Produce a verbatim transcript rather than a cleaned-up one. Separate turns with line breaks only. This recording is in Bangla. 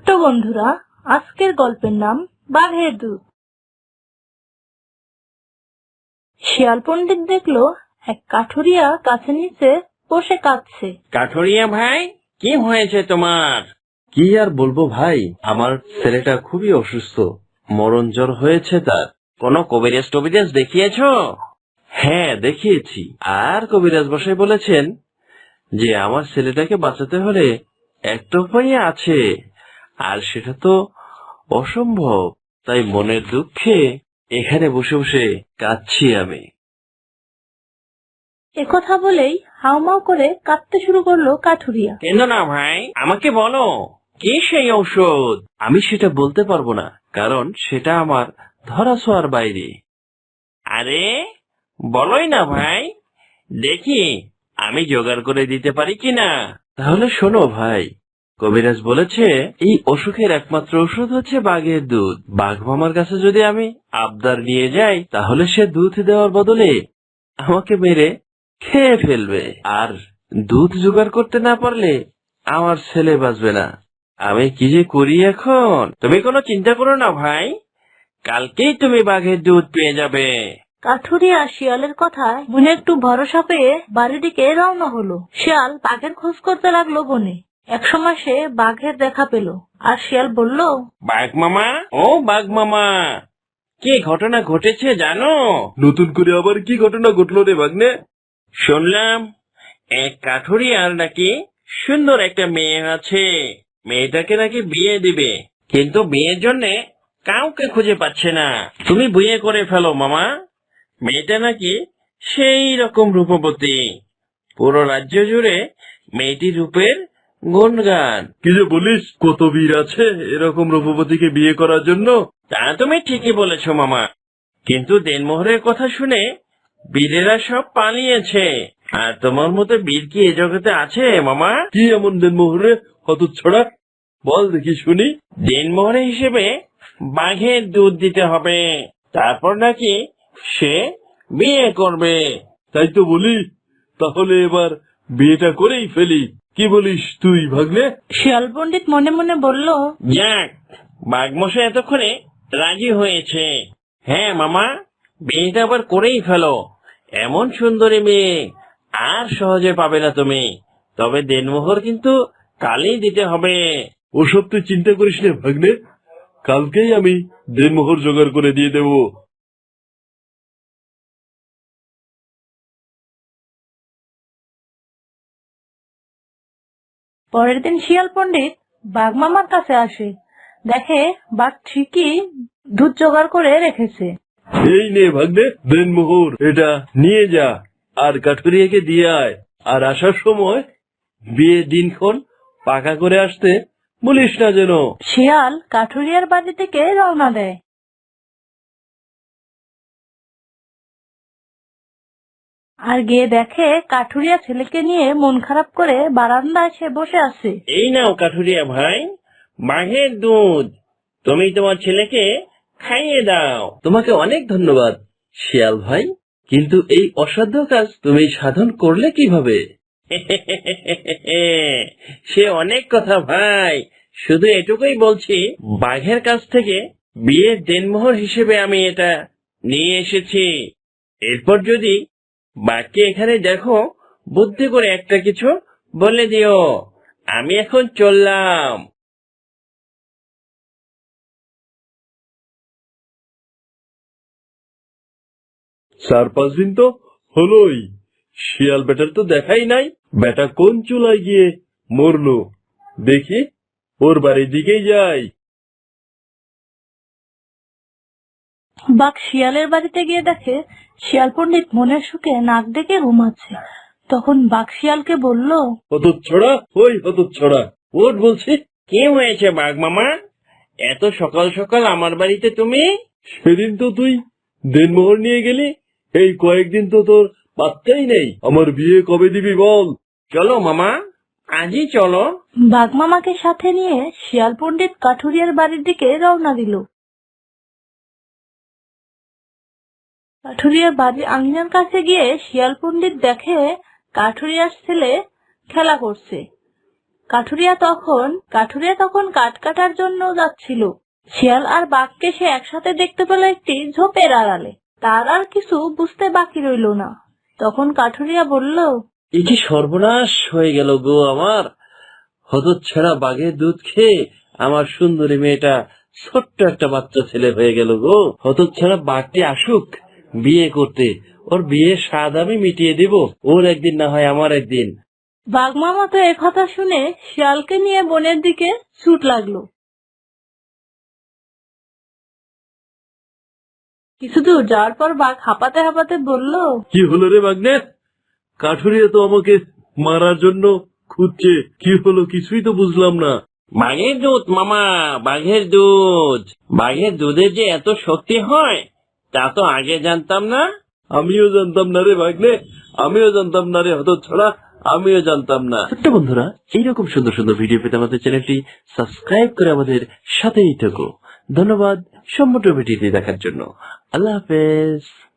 বন্ধুরা, আজকের গল্পের নাম বাঘের দুধ। শিয়াল পণ্ডিত দেখলো এক কাঠুরিয়া গাছের নিচে বসে কাঁদছে।
কাঠুরিয়া ভাই, কি হয়েছে তোমার?
কি আর বলবো ভাই, আমার ছেলেটা খুবই অসুস্থ, মরণ জ্বর হয়েছে তার।
কোনো কবিরাজ টবিরাজ দেখিয়েছো?
হ্যাঁ দেখিয়েছি, আর কবিরাজ মশাই বলেছেন যে আমার ছেলেটাকে বাঁচাতে হলে একটা উপায় আছে, আর সেটা তো অসম্ভব। তাই মনের দুঃখে এখানে বসে বসে কাঁদছি আমি।
একথা বলেই হাউমাউ করে কাঁদতে শুরু করলো কাঠুরিয়া।
কেন না ভাই, আমাকে বলো, কি সেই ঔষধ?
আমি সেটা বলতে পারবো না, কারণ সেটা আমার ধরা ছোঁয়ার বাইরে।
আরে বলোই না ভাই, দেখি আমি জোগাড় করে দিতে পারি কিনা।
তাহলে শোনো ভাই, কবিরাজ বলেছে এই অসুখের একমাত্র ওষুধ হচ্ছে বাঘের দুধ। বাঘ মামার কাছে যদি আমি আবদার নিয়ে যাই, তাহলে সে দুধ দেওয়ার বদলে আমাকে মেরে খেয়ে ফেলবে, আর দুধ জোগাড় করতে না পারলে আমার ছেলে বাঁচবে না। আমি কি যে করি এখন।
তুমি কোনো চিন্তা করো না ভাই, কালকেই তুমি বাঘের দুধ পেয়ে যাবে।
কাঠুরিয়া শিয়ালের কথায় মনে একটু ভরসা পেয়ে বাড়ির দিকে রওনা হলো। শিয়াল বাঘের খোঁজ করতে লাগলো বনে। একসময় সে বাঘের দেখা পেল, আর শিয়াল বলল,
বাঘ মামা, ও বাঘ মামা, কি ঘটনা ঘটেছে জানো?
নতুন করে আবার কি ঘটনা ঘটলো রে ভাগ্নে?
শুনলাম এক কাঠুরিয়ার নাকি সুন্দর একটা মেয়ে আছে, মেয়েটাকে নাকি বিয়ে দিবে, কিন্তু বিয়ের জন্য কাউকে খুঁজে পাচ্ছে না। তুমি বিয়ে করে ফেলো মামা, মেয়েটা নাকি সেই রকম রূপবতী, পুরো রাজ্য জুড়ে মেয়েটির রূপের গুণগান।
কি যে বলিস, কত বীর আছে এরকম রূপবতীকে বিয়ে করার জন্য।
তা তুমি ঠিকই বলেছ মামা, কিন্তু দেনমোহরের কথা শুনে বীরেরা সব পালিয়েছে। আর তোমার মতো বীর কি এ জগতে আছে মামা?
কি এমন দেনমোহরে হতচ্ছড়া, বল দেখি শুনি।
দেনমোহরে হিসেবে বাঘের দুধ দিতে হবে, তারপর নাকি সে বিয়ে করবে।
তাই তো বলি, তাহলে এবার বিয়েটা করেই ফেলি। কি বলিস তুই ভাগ্নে?
শিয়াল পণ্ডিত মনে মনে বলল,
যাক, বাঘমশাই এতক্ষণে রাজি হয়েছে। হ্যাঁ মামা, বিয়েটা আবার করেই ফেলো, এমন সুন্দরী মেয়ে আর সহজে পাবে না তুমি। তবে দেনমোহর কিন্তু কালই দিতে হবে।
ওসব তুই চিন্তা করিস না ভাগ্নে, কালকেই আমি দেনমোহর জোগাড় করে দিয়ে দেব।
পরের দিন শিয়াল পণ্ডিত বাঘ মামার কাছে আসে। দেখে বাঘ ঠিকই দুধ জোগাড় করে রেখেছে।
এই নে ভাগ্নে দেনমোহর, এটা নিয়ে যা, আর কাঠুরিয়াকে দিয়ে আয়। আর আসার সময় বিয়ে দিনক্ষণ পাকা করে আসতে বলিস না যেন।
শিয়াল কাঠুরিয়ার বাড়ি থেকে রওনা দেয়। আর গিয়ে দেখে কাঠুরিয়া ছেলেকে নিয়ে মন খারাপ করে বারান্দায় সে বসে আছে।
এই নাও কাঠুরিয়া ভাই, বাঘের দুধ, তুমি তোমার ছেলেকে খাইয়ে দাও।
তোমাকে অনেক ধন্যবাদ শিয়াল ভাই, কিন্তু এই অসাধ্য কাজ তুমি সাধন করলে কিভাবে?
সে অনেক কথা ভাই, শুধু এটুকুই বলছি, বাঘের কাছ থেকে বিয়ের দেনমোহর হিসেবে আমি এটা নিয়ে এসেছি। এরপর যদি বাঘকে এখানে দেখো, বুদ্ধি করে একটা কিছু বলে দিও। আমি এখন চললাম।
চার পাঁচ দিন তো হলোই, শিয়াল বেটার তো দেখাই নাই। বেটা কোন চুলায় গিয়ে মরলো, দেখি ওর বাড়ির দিকেই যাই।
বাঘ শিয়ালের বাড়িতে গিয়ে দেখে শিয়াল পণ্ডিত মনের সুখে নাক ডেকে ঘুমাচ্ছে। তখন বাঘ শিয়ালকে বলল,
হতচ্ছড়া, ওই হতচ্ছড়া, ওঠ বলছি।
কি হয়েছে বাঘ মামা, এত সকাল সকাল আমার বাড়িতে তুমি?
সেদিন তো তুই দেনমোহর নিয়ে গেলি, এই কয়েকদিন তো তোর পাত্তাই নেই। আমার বিয়ে কবে দিবি বল?
চলো মামা, আজই চলো।
বাঘ মামাকে সাথে নিয়ে শিয়াল পণ্ডিত কাঠুরিয়ার বাড়ির দিকে রওনা দিল। কাঠুরিয়ার বাড়ির আঙিনার কাছে গিয়ে শিয়াল পণ্ডিত দেখে কাঠুরিয়ার ছেলে খেলা করছে। কাঠুরিয়া তখন কাঠুরিয়া তখন কাঠ কাটার জন্য যাচ্ছিল। শিয়াল আর বাঘকে সে একসাথে দেখতে পেল একটি ঝোপের আড়ালে। তার আর কিছু বুঝতে বাকি রইল না। তখন কাঠুরিয়া বলল,
এ কি সর্বনাশ হয়ে গেল গো আমার! হতচ্ছাড়া বাঘের দুধ খেয়ে আমার সুন্দরী মেয়েটা ছোট্ট একটা বাচ্চা ছেলে হয়ে গেল গো। হতচ্ছাড়া বাঘটি আসুক বিয়ে করতে, ওর বিয়ের স্বাদ আমি মিটিয়ে দেব। ওর একদিন না হয় আমার একদিন।
বাঘ মামা তো একথা শুনে শিয়ালকে নিয়ে বনের দিকে ছুট লাগলো। কিছু দূর যাওয়ার পর বাঘ হাঁপাতে হাঁপাতে বলল,
কি হলো রে বাঘনে? কাঠুরিয়া তো আমাকে মারার জন্য খুঁজছে, কি হলো কিছুই তো বুঝলাম না।
বাঘের দুধ মামা, বাঘের দুধ। বাঘের দুধের যে এত শক্তি হয় তা তো আগে জানতাম না।
আমিও জানতাম না রে ভাগ্নে, আমিও জানতাম না রে হতচ্ছাড়া, আমিও জানতাম না। ছোট্ট বন্ধুরা, এইরকম সুন্দর সুন্দর ভিডিও পেতে আমাদের চ্যানেলটি সাবস্ক্রাইব করে আমাদের সাথেই থাকো। ধন্যবাদ সম্পূর্ণ ভিডিওটি দেখার জন্য। আল্লাহ হাফেজ।